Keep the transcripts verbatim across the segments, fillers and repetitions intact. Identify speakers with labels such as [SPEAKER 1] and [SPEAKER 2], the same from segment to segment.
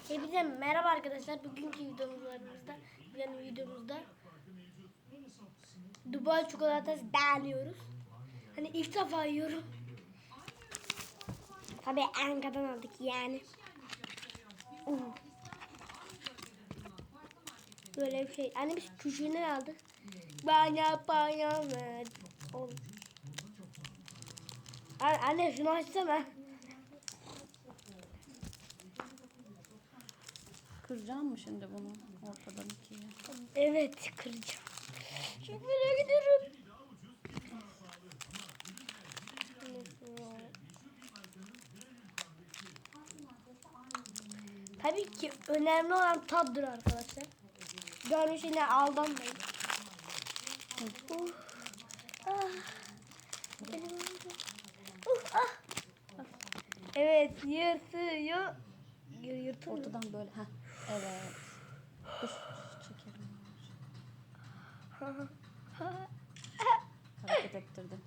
[SPEAKER 1] Hepinize merhaba arkadaşlar. Bugünkü videomuzda, yani videomuzda Dubai çikolatası deniyoruz. Hani ilk defa yiyorum. Tabii Ankara'dan aldık yani. Uh. Böyle bir şey. Anne biz küçüğünden aldık. Bana bana ver. Oğlum. Anne şunu açsana.
[SPEAKER 2] Kıracağım mı şimdi bunu ortadan ikiye?
[SPEAKER 1] Evet, kıracağım. Çok merak ediyorum. Tabii ki önemli olan tattır arkadaşlar. Görünüşüne aldanmayın. Uh, ah, uh, ah. Evet, yırtıyor. Yırtıyor.
[SPEAKER 2] Ortadan böyle. Heh. Evet. Dur çekelim. Hareket ettirdim.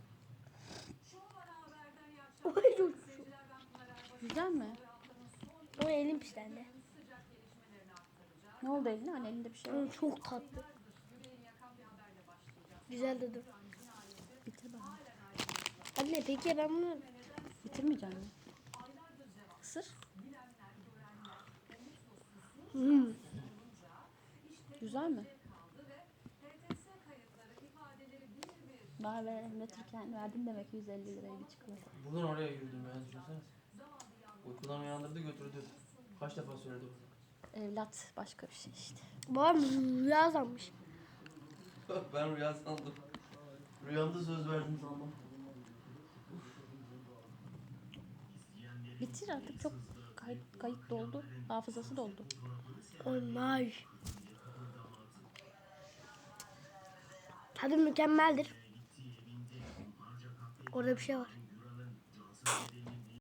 [SPEAKER 1] Oy, çok
[SPEAKER 2] Güzel mi?
[SPEAKER 1] O elim pislendi.
[SPEAKER 2] Ne oldu eline? Hani elinde bir şey var.
[SPEAKER 1] Hı, çok tatlı. Güzel dedim.
[SPEAKER 2] Bitir bana.
[SPEAKER 1] Anne peki ben bunu
[SPEAKER 2] Bitirmeyecek misin? Isır.
[SPEAKER 1] hmm.
[SPEAKER 2] Güzel mi? Bana ve anlatırken verdin demek yüz elli liraya bir çikolata.
[SPEAKER 3] Buradan oraya yürüdüm ya, düşünsene. Uykudan uyandırdı götürdü. Kaç defa söyledi bunu.
[SPEAKER 2] Evlat başka bir şey işte.
[SPEAKER 1] Babam rüya sanmış.
[SPEAKER 3] Ben rüya sandım. Rüyamda söz verdim sandım.
[SPEAKER 2] Bitir artık, çok kayıt, kayıt doldu. Hafızası doldu.
[SPEAKER 1] Olmaz. Tadı mükemmeldir. Orada bir şey var.